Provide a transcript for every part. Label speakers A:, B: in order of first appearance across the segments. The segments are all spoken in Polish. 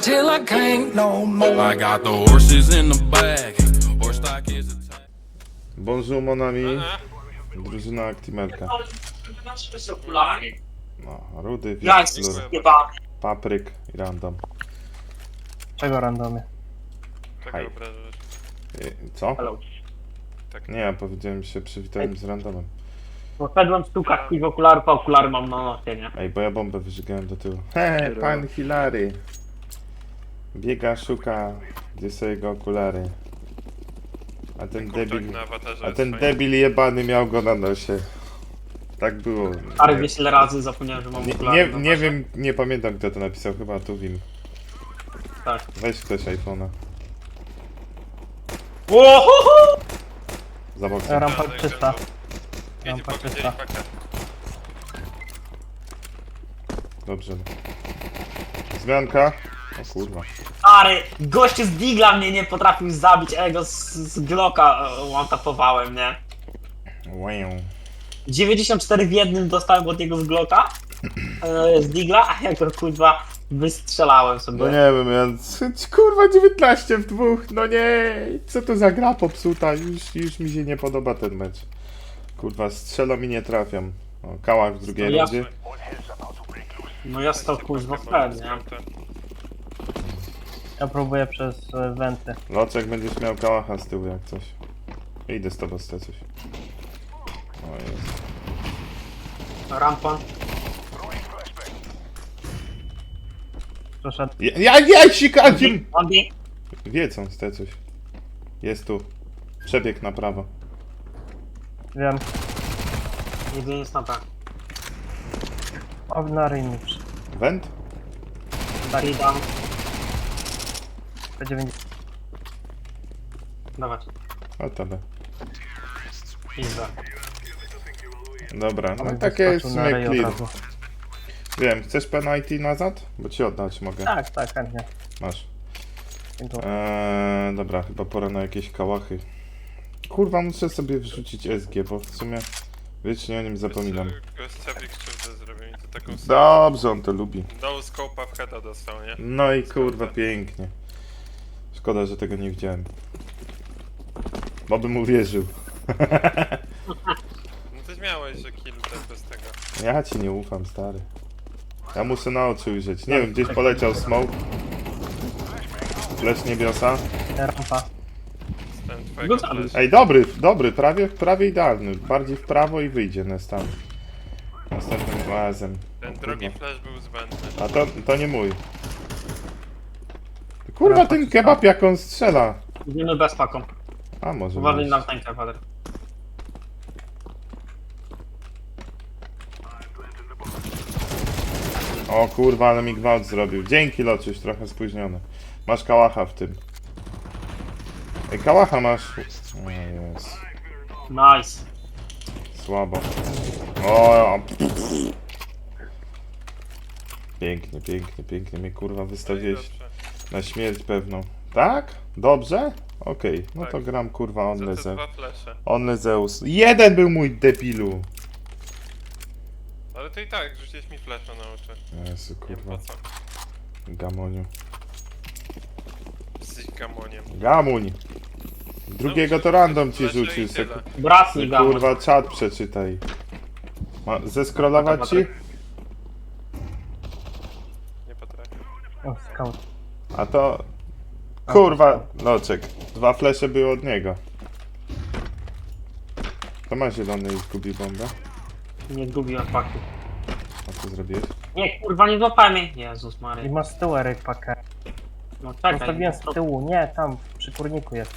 A: till I can't no more.
B: I got the horses in the back. Horse stock is a tank.
C: Bonjour mon ami. Drużyna Actimelka. No, Rudy,
D: Ja jestem
C: Wiktor,
D: zjebany.
C: Papryk i Random.
E: Czego randomie?
C: Hej.
F: Czego obrażasz?
C: Co?
D: Hello.
C: Nie, ja powiedziałem się, przywitałem z Randomem.
D: Poszedłem w stukach i w okularów, a okulary mam na nosie, nie?
C: Ej, bo ja bombę wyżygałem do tyłu. He, pan Hilary. Biega, szuka, gdzie są jego okulary. A ten debil,
F: na awatarze
C: a ten
F: swoim.
C: debil jebany miał go na nosie. Tak było.
D: Stary, wiesz ile razy zapomniałem, że mam okulary na
C: Nie
D: nosie.
C: wiem, nie pamiętam kto to napisał, chyba Tuwim.
D: Tak.
C: Weź ktoś iPhone'a.
D: Ohoho!
C: Za boksem.
E: Rampa
F: Tak,
E: czysta.
F: Jedzie
E: Rampa
F: po
E: czysta.
F: gdzieś pakę.
C: Dobrze. Zmianka. O kurwa.
D: Stary, gościu z Digla mnie nie potrafił zabić, a ja go z Glocka one-tapowałem, nie?
C: Wow.
D: 94 w jednym dostałem od niego z Glocka, z Digla, a ja go kurwa wystrzelałem sobie.
C: No nie wiem, ja... Kurwa 19 w dwóch, no nie! Co to za gra popsuta? Już mi się nie podoba ten mecz. Kurwa, strzelam i nie trafiam. O, Kałach w drugiej
D: No ja-
C: rundzie.
D: No ja stał kurwa w nie?
E: Ja próbuję przez wenty.
C: Locek będziesz miał Kałacha z tyłu jak coś. Idę z tobą z coś. O jest.
D: Rampa.
E: Przeszedł.
C: Ja sikacim!
D: Andy.
C: Wiedzą z te coś. Jest tu. Przebieg na prawo.
E: Wiem.
D: Jedynie jest na B.
E: O, na ryj mi
C: Wend?
D: Darida.
E: P90.
D: Dawać.
C: O tobie.
D: Pizda.
C: Dobra, no
E: On
C: takie jest
E: wyskoczył na ryj od
C: clear.
E: razu.
C: Wiem, chcesz penalty nazad? Bo ci oddać mogę.
E: Tak, chętnie.
C: Masz.
E: Dziękuję.
C: Dobra, chyba pora na jakieś kałachy. Kurwa, muszę sobie wrzucić SG, bo w sumie wiecznie o nim zapominam.
F: Gościowi krzywdę zrobił i to taką
C: Dobrze, on to lubi.
F: no scope'a w heada dostał, nie?
C: No i kurwa, pięknie. Szkoda, że tego nie widziałem. Bo bym uwierzył.
F: No ty miałeś, że kill też bez tego.
C: Ja ci nie ufam, stary. Ja muszę na oczy ujrzeć. Nie wiem, gdzieś poleciał smoke. Flash niebiosa.
E: Rampa.
F: Ten twojego
D: No
F: flash.
C: Ej, dobry, prawie idealny. Bardziej w prawo i wyjdzie następnym razem.
F: Ten drugi flash był zbędny.
C: A to nie mój. Kurwa, ten kebab jak on strzela.
D: Idziemy bez paką.
C: A może
D: Uważaj
C: być.
D: na tańkę, Wader.
C: O kurwa, ale mi gwałt zrobił. Dzięki, Loczyś, trochę spóźniony. Masz kałacha w tym. Ej, kałacha masz. O jest.
D: Nice.
C: Słabo. O, pięknie, pięknie, pięknie. Mnie kurwa wystawiłeś
F: Dobrze.
C: na śmierć pewną. Tak? Dobrze? Okej, no to
F: Tak.
C: gram kurwa
F: Co to
C: Onleze.
F: dwa flesze?
C: Onlezeus. Jeden był mój debilu.
F: Ale to i tak, rzuciłeś mi flasha na oczy.
C: Jezu,
F: Nie wiem
C: kurwa.
F: po co.
C: Gamoniu.
F: Jesteś gamoniem.
C: Gamuń! Drugiego to random ci
F: Flesze i
C: rzucił. Se,
F: tyle.
D: Bratni gamon.
C: kurwa, czat przeczytaj. Zeskrolować ci?
F: Nie potrafię.
E: O, scout.
C: A to... Kurwa, Loczek. 2 flesze były od niego. To ma zielony i zgubi bombę.
D: Nie zgubiłem paku.
C: A co zrobiłeś?
D: Nie, kurwa, nie złapałem jej. Jezus
E: I
D: Maria.
E: masz z tyłu Eryk pakę.
D: No czekaj.
E: Zostawiłem z tyłu. Nie, tam, przy kurniku jest.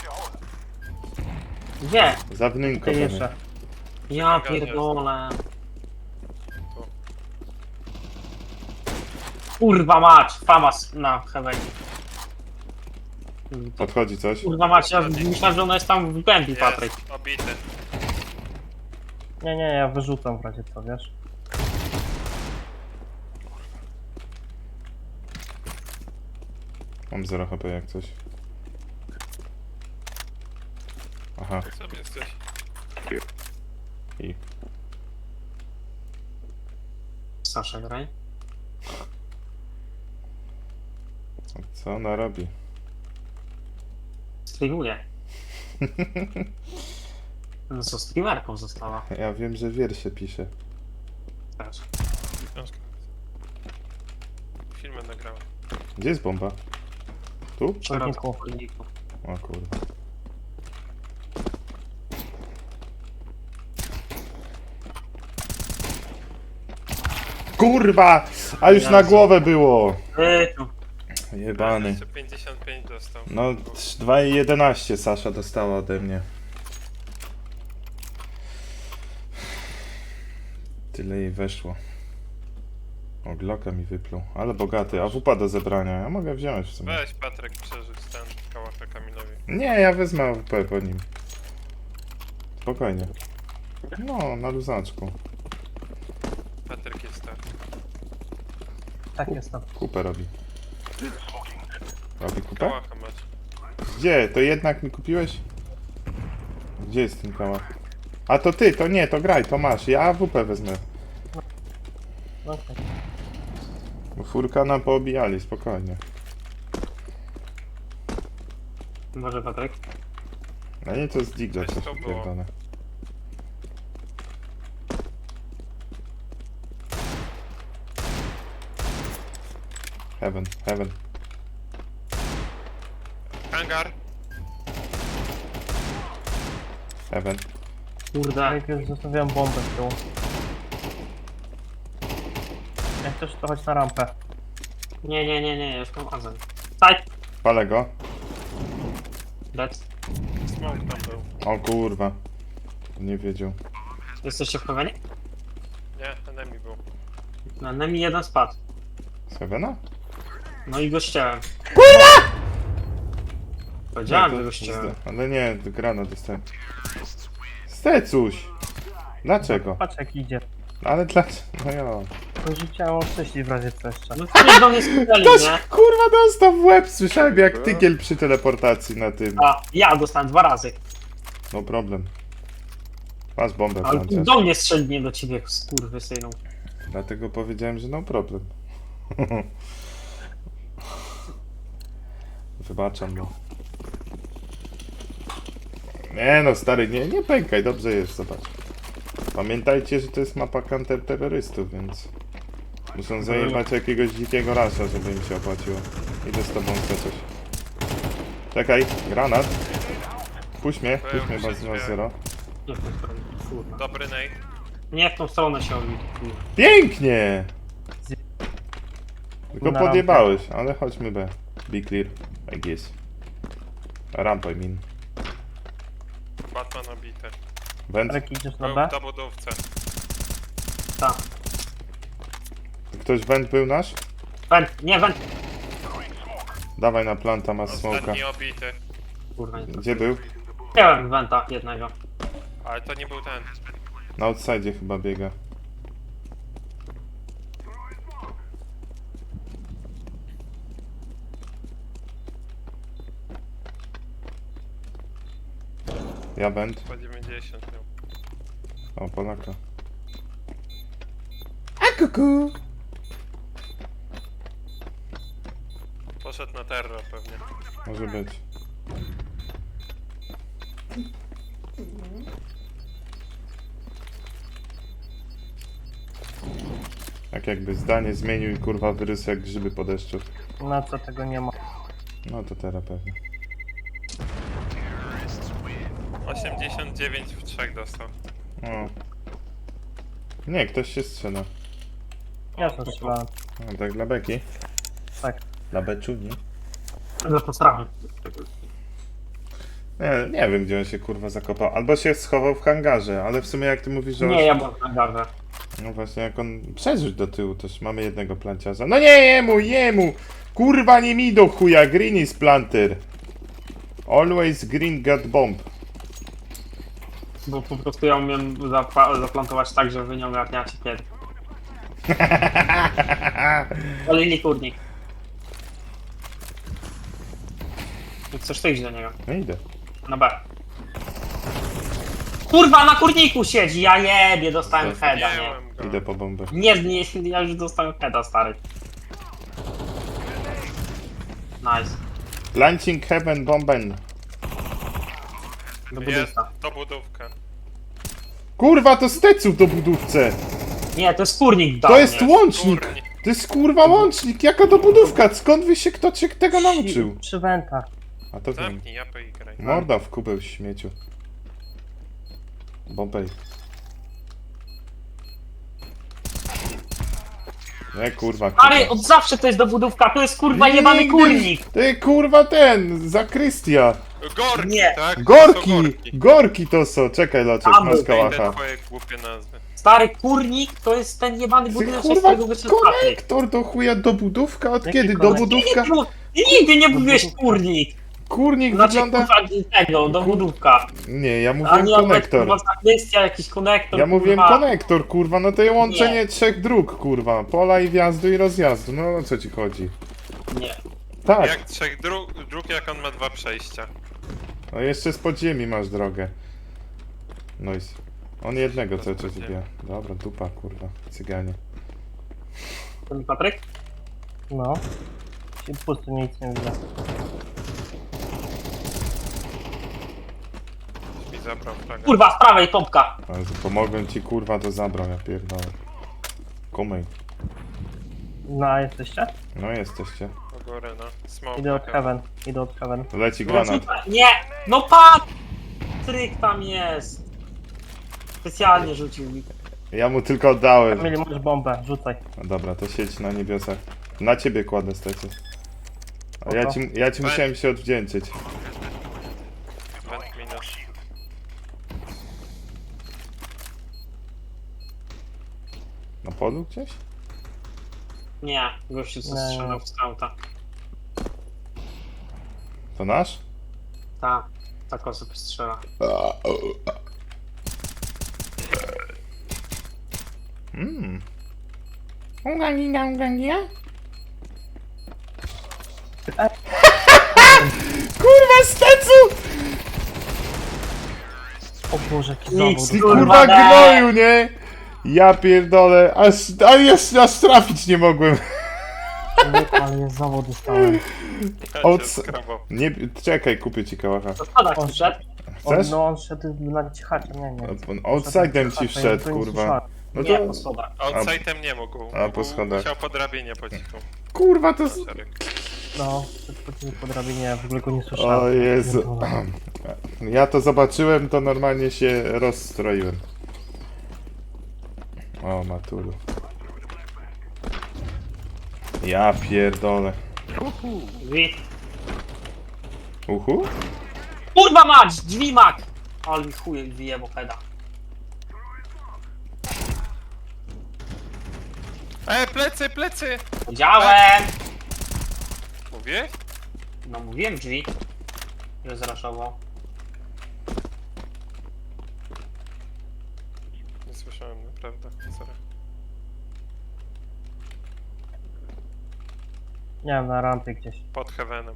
D: Gdzie?
C: Za wnynko
E: Ty
C: pewnie.
E: jeszcze.
D: Ja pierdolę. Kurwa mać, famas na heaven.
C: Podchodzi coś?
D: Kurwa mać, ja myślałem, że ona jest tam w głębi, Patryk.
F: Jest, obity.
E: Nie, ja wyrzucam w razie co, wiesz?
C: Mam 0 HP jak coś. Aha.
F: Jak sobie jesteś?
C: I...
D: Sasza graj.
C: Co ona robi?
D: Streamuje. No co, streamerką została
C: Ja wiem, że wiersze pisze.
D: też.
F: Książkę. Filmy nagrałem.
C: Gdzie jest bomba? Tu?
D: W środku,
E: Kurniku.
D: w kurniku.
C: O kurwa. Kurwa! A już na głowę było!
D: Tu.
C: Jebany.
F: Jeszcze 55 dostał.
C: No 2,11 Sasza dostała ode mnie. Tyle jej weszło. O, Glocka mi wypluł. Ale bogaty. A wupa do zebrania. Ja mogę wziąć w sumie.
F: Weź Patryk przerzuć ten kałacha Kamilowi.
C: Nie, ja wezmę AWP po nim. Spokojnie. No, na luzaczku.
F: Patryk jest tak.
E: Tak jest tam.
C: Kupę robi. Robi kupę?
F: Kałacha masz.
C: Gdzie? To jednak mi kupiłeś? Gdzie jest ten kałach? A to ty, to nie, to graj, to masz. Ja AWP wezmę.
E: Okej.
C: Bo furka nam poobijali, spokojnie.
D: Może Patryk?
C: A nie to z Digla
F: Coś
C: coś
F: to było.
C: pierdolę. Heaven, heaven.
F: Hangar!
C: Heaven.
D: Kurde.
E: Najpierw zostawiam bombę z tyłu. Jak też to chodź na rampę.
D: Nie, już mam azem. Side!
C: Palę go.
D: Dead.
F: Smoke tam był.
C: O kurwa. Nie wiedział.
D: Jesteście w Heavenie?
F: Nie, enemy był.
D: Na nami jeden spadł.
C: Z Heavena?
D: No i go ścięłem.
C: Nie,
D: Powiedziałem,
C: to
D: że go ścięłem.
C: ale nie, grana dostałem. Stecuś! Dlaczego?
E: Patrz jak idzie.
C: Ale dlaczego? No ja.
E: Pożyciałem oczyścić w razie co jeszcze.
D: No ktoś do mnie strzelił,
C: Ktoś
D: nie?
C: kurwa dostał w łeb, słyszałem jak tygiel przy teleportacji na tym.
D: A, ja dostałem 2 razy.
C: No problem. Masz bombę,
D: Ale
C: Francia.
D: do mnie strzelił, nie do ciebie, skurwysynu.
C: Dlatego powiedziałem, że no problem. Wybaczam, no. Nie no, stary, nie pękaj, dobrze jest, zobacz. Pamiętajcie, że to jest mapa counterterrorystów, więc... Muszą zajebać jakiegoś dzikiego rasza, żeby im się opłaciło. Idę z tobą chcę coś. Czekaj, granat. Puść mnie, bardzo na zero.
D: Nie w tą stronę, kurwa.
F: Dobry nade.
D: Nie w tą stronę się odbił, kurwa.
C: Pięknie! Tylko
E: Na rampę.
C: podjebałeś, ale chodźmy B. Be clear, I guess. Rampa, I mean.
F: Batman obity.
C: Węd.
E: Jak idziesz na
F: Był
E: B?
F: w dobudówce.
D: Tak.
C: Ktoś węd był nasz?
D: Went, nie went!
C: Dawaj na planta, masz smoka.
F: Ostatni obity.
D: Kurwa, nie.
C: Gdzie był?
D: Wziąłem wenta jednego.
F: Ale to nie był ten.
C: Na outside chyba biega. Ja węd.
F: Po 90 miał.
C: O, Polaka. A kuku!
F: Poszedł na terror pewnie.
C: Może być. Tak jakby zdanie zmienił i kurwa wyrósł jak grzyby po deszczu.
E: Na co tego nie ma.
C: No to teraz pewnie.
F: 89 w 3 dostał.
C: O. Nie, ktoś się strzela.
E: Ja to strzelałem.
C: O, tak dla beki.
E: Tak.
C: Dla beczuni.
D: Za postrachem.
C: Nie wiem gdzie on się kurwa zakopał. Albo się schował w hangarze, ale w sumie jak ty mówisz, że...
D: Nie, ja byłem na garze.
C: No właśnie jak on... Przerzuć do tyłu, też mamy jednego planciarza. No nie, jemu! Kurwa nie mi do chuja, green is planter. Always green got bomb.
D: Bo po prostu ja umiem zaplantować tak, że wy nie ogarniacie kiedy. Olili kurnik. I chcesz to iść do niego.
C: No idę.
D: Na B. Kurwa, na kurniku siedzi, ja jebie, dostałem heada, nie.
F: Zdjąłem go.
C: Idę po bombę.
D: Nie, ja już dostałem heada, stary. Nice.
C: Launching heaven bomben.
D: Do
F: Jest,
D: budówka.
F: to budówka.
C: Kurwa, to stecu do budówce.
D: Nie, to jest kurnik
C: To jest
D: nie.
C: łącznik.
F: Kurnik.
C: To jest kurwa łącznik. Jaka to budówka? Skąd wy się kto cię tego nauczył?
E: Przy wentach.
C: A to wiem.
F: Zamknij japę i graj.
C: Morda w kubeł śmieciu. Bombej. Nie kurwa.
D: Ale od zawsze to jest do budówka, to jest kurwa jebany
C: Nigdy-
D: kurnik!
C: Ty kurwa ten, zakrystia.
F: Gorki,
D: Nie.
F: tak? To
C: Gorki!
F: są gorki.
C: Gorki to są. Czekaj Loczek,
D: Tam
C: masz
D: był
F: Te
C: kałacha.
F: twoje głupie nazwy.
D: Stary kurnik to jest ten jebany
C: Ty
D: budynek, z
C: kurwa
D: którego wyszedł Patryk.
C: konektor do chuja do budówka? Od
E: Jaki
C: kiedy? Do
E: konektor?
C: budówka?
D: Nigdy nie mówiłeś kurnik!
C: Kurnik
D: Znaczy
C: wygląda...
D: kurwa tego, do budówka.
C: Nie, ja
D: A
C: mówiłem
D: nie nawet
C: konektor.
D: kurwa zakrystia, jakiś konektor,
C: Ja mówiłem
D: kurwa.
C: konektor, kurwa, no to jest łączenie trzech dróg, kurwa. Pola i wjazdu i rozjazdu, no o co ci chodzi?
D: Nie.
C: Tak,
F: Jak trzech dróg, jak on ma 2 przejścia.
C: no jeszcze z podziemi masz drogę. Noise. On jednego cały czas wybija. Dobra, dupa, kurwa, cyganie.
D: To mi Patryk?
E: No. I pusty nic nie widzę.
F: Mi zabrał flagę.
D: Kurwa, z prawej pompka.
C: Ale że pomogłem ci, kurwa, to zabrał, ja pierdolę. Kumej.
E: No, jesteście?
C: No jesteście.
F: Do góry, no. Smoke.
E: Idę od heaven. Idę od heaven.
C: Leci granat.
D: Nie! No Patryk tam jest! Specjalnie rzucił mi.
C: Ja mu tylko oddałem.
E: Kamil, masz bombę, rzucaj.
C: No dobra, to siedź na niebiosach. Na ciebie kładę stecie. A ja
E: Oho.
C: ci musiałem się odwdzięczyć.
F: Vent minus.
C: Na polu gdzieś?
D: Nie, gościu co
E: Nie.
D: strzelał w skauta.
C: To nasz?
D: Tak osób strzela.
C: Kurwa, stecu!
E: O Boże, jaki
D: Nic,
E: zawód.
C: Ty
D: Kurwa,
C: kurwa
D: daj.
C: gnoju, nie? Ja pierdolę, aż trafić nie mogłem.
E: Ale jest zawód dostałem.
F: Ja
C: Od-
F: cię skrabał.
C: Nie, czekaj, kupię ci kałacha.
D: To spadać
E: O,
D: przyszedł.
C: Chcesz?
E: No on szedł na cichacie, nie.
C: Outside'em ci wszedł, kurwa. No
D: Nie,
C: to...
D: po schodach.
F: Outside'em nie mógł.
C: A, po schodach.
F: Musiał po drabinie po cichu.
C: Kurwa, to...
F: Szereg.
E: No, podchodzili po drabinie, w ogóle go nie słyszałem.
C: O Jezu.
E: Pierdolę.
C: Ja to zobaczyłem, to normalnie się rozstroiłem. O, matulu. Ja pierdolę.
D: Drzwi.
C: Uhu?
D: Kurwa mać! Drzwi mak! Ale mi chuje wyjebał heada.
F: Plecy, plecy!
D: Powiedziałem!
F: Mówię?
D: No mówiłem drzwi. Że zraszował.
F: Nie słyszałem, naprawdę. Sorry.
E: Nie wiem, na rampie gdzieś.
F: Pod heavenem.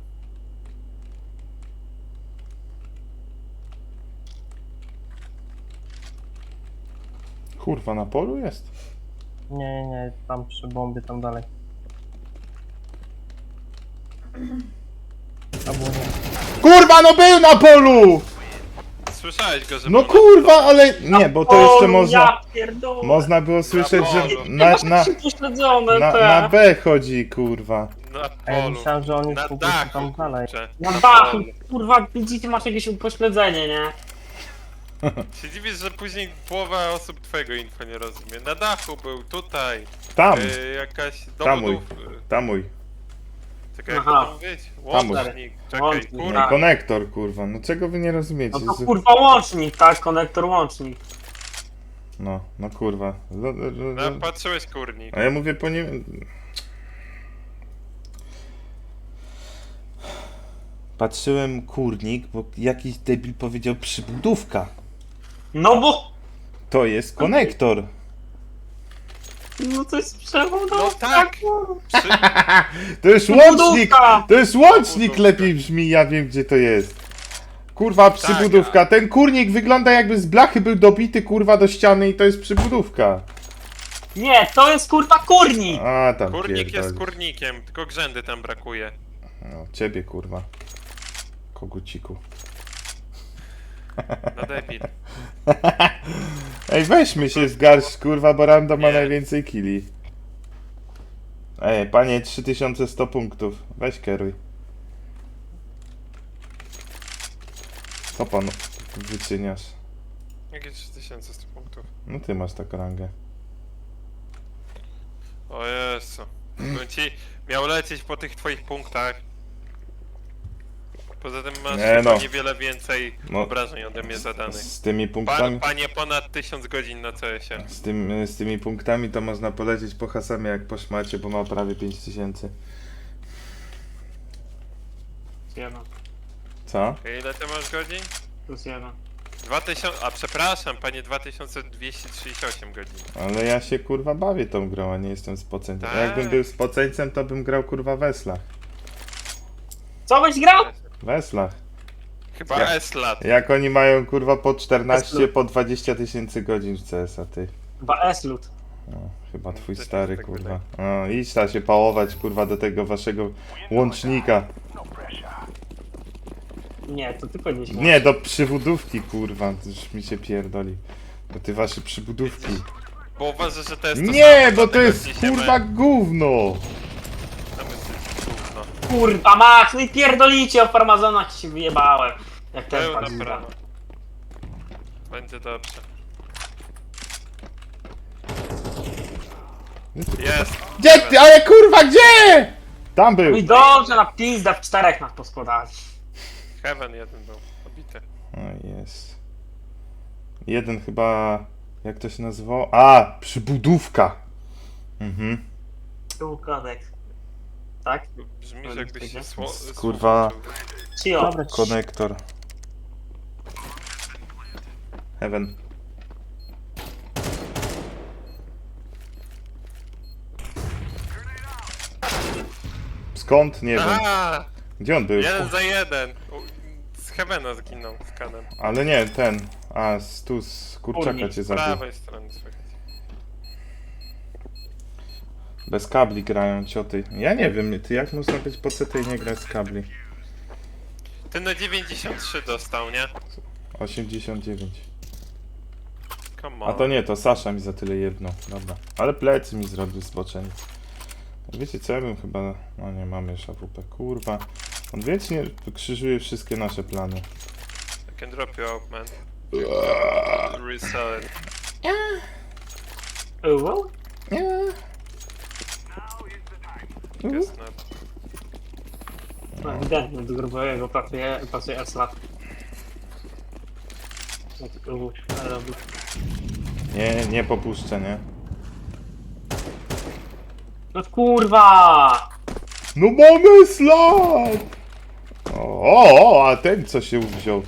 C: Kurwa, na polu jest?
E: Nie, tam przy bombie, tam dalej. Albo nie.
C: Kurwa, no był na polu!
F: Słyszałeś go, że
C: No
F: był
C: kurwa, ale... Nie, bo to jeszcze można...
D: Ja pierdolę!
C: Można było słyszeć, że
D: Na pośledzone
C: na B chodzi, kurwa.
F: na
E: A ja
F: polu.
E: myślałem, że on jest
F: Na
E: po prostu
F: dachu,
E: tam dalej.
F: kurczę.
D: Na
F: Na
D: dachu,
F: polu.
D: kurwa, widzicie, masz jakieś upośledzenie, nie?
F: Się dziwisz, że później połowa osób twojego info nie rozumie. Na dachu był, tutaj.
C: Tam,
F: Jakaś
C: Tamuj.
F: dowodów.
C: tamuj.
F: Czekaj, jak
D: Aha.
F: to mówić?
C: Tamuj.
F: Łącznik. Czekaj,
D: Łącznik,
F: kurwa.
D: tak.
C: Konektor, kurwa. No czego wy nie rozumiecie?
D: No to kurwa łącznik, tak? Konektor łącznik.
C: No kurwa.
F: No, patrzyłeś kurnik.
C: A ja mówię po nie... Patrzyłem kurnik, bo jakiś debil powiedział przybudówka.
D: No bo...
C: To jest konektor.
D: No to jest przewód.
F: No tak! Przy...
C: To jest
D: To
C: łącznik!
D: budówka!
C: To jest łącznik
F: Budówka.
C: lepiej brzmi, ja wiem gdzie to jest. Kurwa, przybudówka. Ten kurnik wygląda jakby z blachy był dobity kurwa do ściany i to jest przybudówka.
D: Nie, to jest kurwa kurnik!
C: A tam
F: Kurnik jest
C: pierdolisz.
F: kurnikiem, tylko grzędy tam brakuje.
C: No, ciebie kurwa. Koguciku.
F: No debil.
C: Ej, weźmy się z garść, kurwa, bo Rando ma
F: Nie.
C: najwięcej killi. Ej, panie, 3100 punktów. Weź kieruj. Co pan wyczyniasz?
F: Jakie 3100 punktów?
C: No ty masz taką rangę.
F: O Jezu. Bym ci miał lecieć po tych twoich punktach. Poza tym masz
C: Nie no.
F: niewiele więcej
C: No.
F: obrażeń ode mnie zadanych.
C: Z tymi punktami...
F: Panie ponad 1000 godzin na CS-ie.
C: Z tymi punktami to można polecieć po Hasamie jak po szmacie, bo ma prawie 5000.
D: Plus 1.
C: Co?
F: Ile ty masz godzin?
D: Plus 1.
F: 2000... A przepraszam, panie 2238 godzin.
C: Ale ja się kurwa bawię tą grą, a nie jestem spoceńcem.
F: Tak.
C: Jakbym był spoceńcem, to bym grał kurwa w Weslach.
D: Co byś grał?
C: W Weslach.
F: Chyba
C: Ja-
F: S-lat.
C: Jak oni mają kurwa po 14,
D: Weslu.
C: po 20 tysięcy godzin w CS-a, ty.
D: Chyba S-Lut.
C: No, chyba twój
F: też
C: stary,
F: tak
C: kurwa. No, idź ta się pałować, kurwa, do tego waszego łącznika.
D: Nie, to tylko nie śmiesz.
C: Nie, do przybudówki, kurwa, to już mi się pierdoli. Do ty wasze przybudówki.
F: Bo uważasz, że to jest to
C: Nie,
F: samo,
C: bo to
F: dlatego
C: jest
F: wniesiemy-
C: kurwa gówno.
F: Tam jest gówno.
D: Kurwa Max, no i pierdolicie o farmazonach się wyjebałem. Jak ten
F: Pełna
D: pan
F: prawa. Będzie dobrze. Jest!
C: Gdzie ty, ale kurwa, gdzie? Tam
D: No i
C: był.
D: dobrze, na pizda w 4 nas poskładali.
F: Heaven jeden był obity.
C: O, jest. Jeden chyba, jak to się nazywało? A, przybudówka. Mhm.
D: Tu kodek. Tak?
F: Brzmi, że jakbyś się
C: Kurwa.
D: Cio.
E: Dobra,
C: Konektor. Heaven. Skąd? Nie wiem.
F: A,
C: Gdzie on był?
F: 1 za 1. Z Heavena zginął z kanem.
C: Ale nie, ten. A, tu z kurczaka
D: Kurnik,
C: cię
F: Z
C: zabił.
F: prawej strony słychać.
C: Bez kabli grają cioty. Ja nie wiem, ty jak można być po CT i nie grać z kabli?
F: Ty na 93 dostał, nie?
C: 89.
F: Come
C: A
F: on.
C: to nie, to Sasza mi za tyle jedno. Dobra. Ale plecy mi zrobił zboczenie. Wiecie co, ja bym chyba... No nie, mamy już AWP. Kurwa. On wiecznie krzyżuje wszystkie nasze plany.
F: I can drop you out, man. Resell it.
D: Uuu.
F: Guess not.
D: No, ewidentnie, do grubowego pasuje S-Lat. Robi.
C: Nie, nie popuszczę, nie?
D: No kurwa!
C: No mamy slot! O, a ten co się wziął?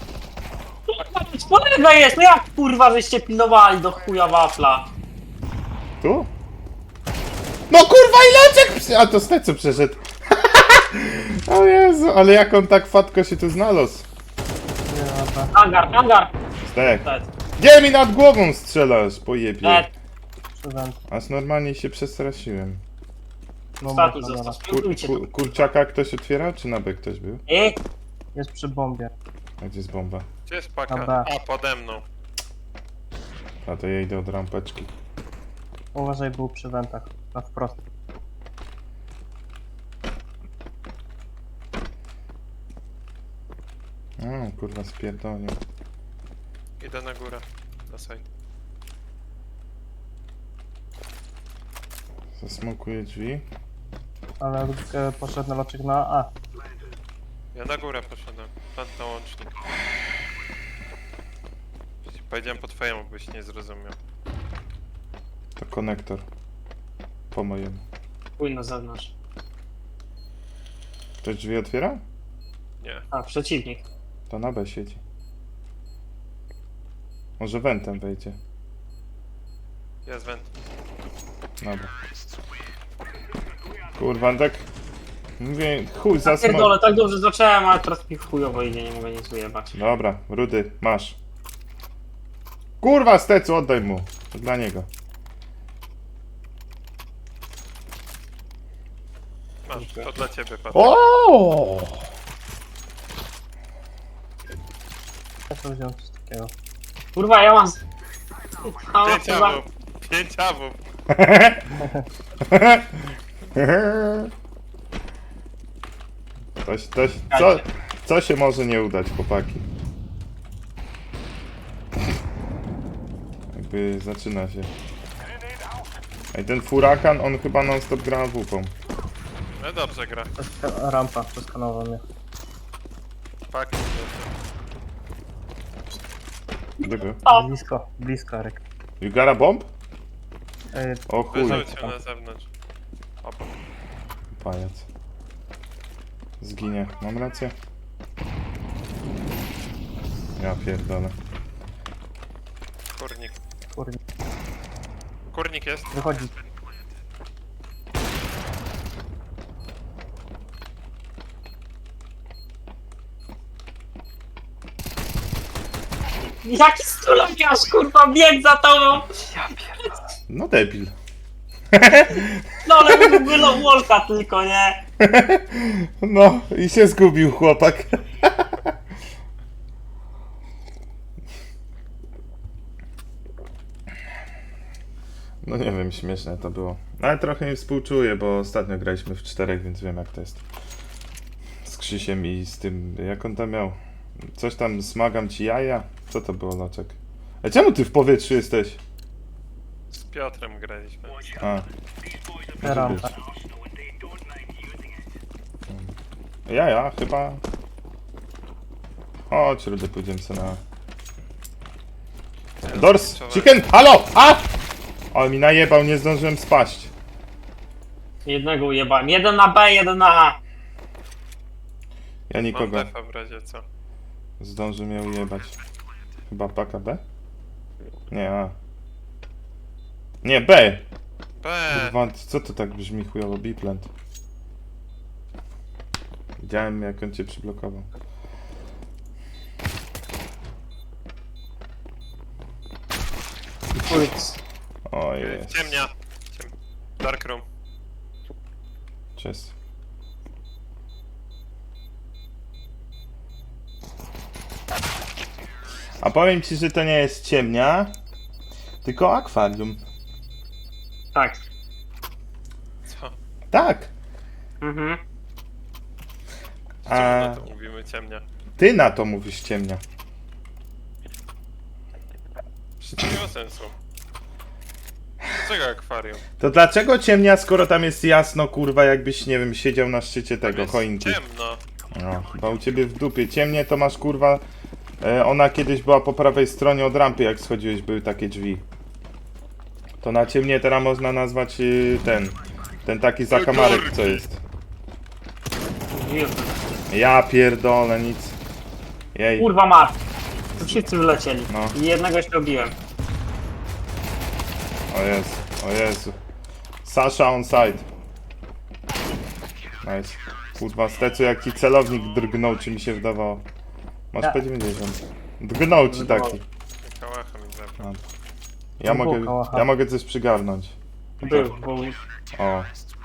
D: Po lewej jest, no jak kurwa żeście pilnowali do chuja wafla?
C: Tu? No kurwa ileczek! A to z co przeszedł. O Jezu, ale jak on tak fatko się tu znalazł?
E: nie, dobra.
D: Hangar!
C: Stek.
D: Dead.
C: Gdzie mi nad głową strzelasz, pojebie?
D: Dead.
E: Przewęd.
C: Aż normalnie się przestraszyłem.
D: Ostatni został, spróbujcie to.
C: Kurczaka ktoś otwierał, czy na B ktoś był?
E: Jest przy bombie.
C: A gdzie jest bomba?
F: Gdzie jest paka?
E: Dobra.
F: A, pode mną.
C: A to ja idę od rampeczki.
E: Uważaj, był przy wentach. Na wprost.
C: O, kurwa spierdolił.
F: Idę na górę. Na side.
C: Zasmokuję drzwi.
E: Ale poszedł na loczek na A.
F: Ja na górę poszedłem. Plant na łącznik. Powiedziałem po twojemu, byś nie zrozumiał.
C: To konektor. Po mojemu.
D: Pójdź na zewnątrz.
C: Ktoś drzwi otwiera?
F: Nie.
D: A, przeciwnik.
C: To na B siedzi. Może wentem wejdzie.
F: Jest went.
C: Dobra. Kurwa, tak... Mówię, chuj, za smok.
D: Pierdolę, tak dobrze zacząłem, ale teraz mi chujowo idzie, nie mogę nic ujebać.
C: Dobra, Rudy, masz. Kurwa, stecu, oddaj mu. To dla niego.
F: to dla ciebie, Patryk.
C: O!
E: Ja to wziąłem coś takiego.
D: Kurwa, ja mam... Halo,
F: 5
D: kurwa.
F: awów. 5 awów.
C: Co się może nie udać, chłopaki? Jakby zaczyna się. Ej, ten furakan, on chyba non stop gra WP.
F: No dobrze gra.
E: Rampa, przeskanował mnie.
F: Pak.
C: Gdyby.
E: Blisko, blisko, Arek.
C: You got a bomb? O chuj,
F: Wyrzuć się na zewnątrz. Obok.
C: pajac. Zginie. Mam rację? Ja pierdolę.
F: Kurnik.
E: Kurde,
F: Kurnik jest.
E: wychodzi.
D: Jaki stulowiarz, kurwa, bieg za tobą!
C: No debil.
D: No ale mógł było Wolka tylko, nie?
C: No i się zgubił chłopak. No nie wiem, śmieszne to było. Ale trochę mi współczuję, bo ostatnio graliśmy w 4, więc wiem jak to jest. Z Krzysiem i z tym, jak on tam miał? Coś tam, smagam ci jaja? Co to było, Loczek? A czemu ty w powietrzu jesteś?
F: Z Piotrem graliśmy.
C: A.
E: Rampa.
C: Ja, chyba. Chodź, Rudy, pójdziemy sobie na... Dors! Chicken! Halo! A! O, mi najebał, nie zdążyłem spaść.
D: Jednego ujebałem. Jeden na B, jeden na A.
C: Ja
F: Mam
C: nikogo.
F: defa w razie co.
C: Zdąży mnie ujebać. Chyba paka B? Nie, A. Nie, B! Kurwa, co to tak brzmi chujowo? B-plant. Widziałem, jak on cię przyblokował. O jest.
F: Ciemnia. Dark room.
C: Cześć. A powiem ci, że to nie jest ciemnia, tylko akwarium.
D: Tak.
F: Co?
C: Tak.
D: Mhm.
C: A
F: Czemu na to mówimy ciemnia?
C: ty na to mówisz ciemnia.
F: Przecież nie ma sensu. Dlaczego akwarium?
C: To dlaczego ciemnia, skoro tam jest jasno, kurwa, jakbyś, nie wiem, siedział na szczycie
F: Tam
C: tego
F: jest
C: choinki?
F: ciemno.
C: No, chyba u ciebie w dupie. Ciemnie to masz, kurwa, ona kiedyś była po prawej stronie od rampy, jak schodziłeś, były takie drzwi. To na ciemnie teraz można nazwać ten taki zakamarek, co jest. Ja pierdolę, nic. Jej.
D: Kurwa mat. Tu wszyscy wylecieli.
C: No.
D: I jednego się robiłem.
C: O Jezu, o Jezu. Sasha on side. Nice. Kurwa, Stecu, jak ci celownik drgnął, czy mi się wydawało. Masz
E: Ja.
C: P90. Drgnął ci taki.
F: Kałacha mi zabrał.
C: Ja mogę coś przygarnąć.
D: Był, bo...
C: O,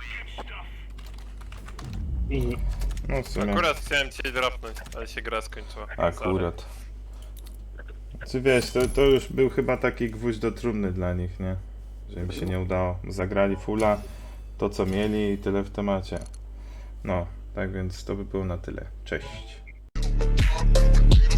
D: I...
C: no w sumie.
F: Akurat chciałem cię dropnąć, ale się gra skończyła.
C: Akurat. Czy wiesz, to już był chyba taki gwóźdź do trumny dla nich, nie? Że im się nie udało. Zagrali fulla, to co mieli i tyle w temacie. No, tak więc to by było na tyle. Cześć.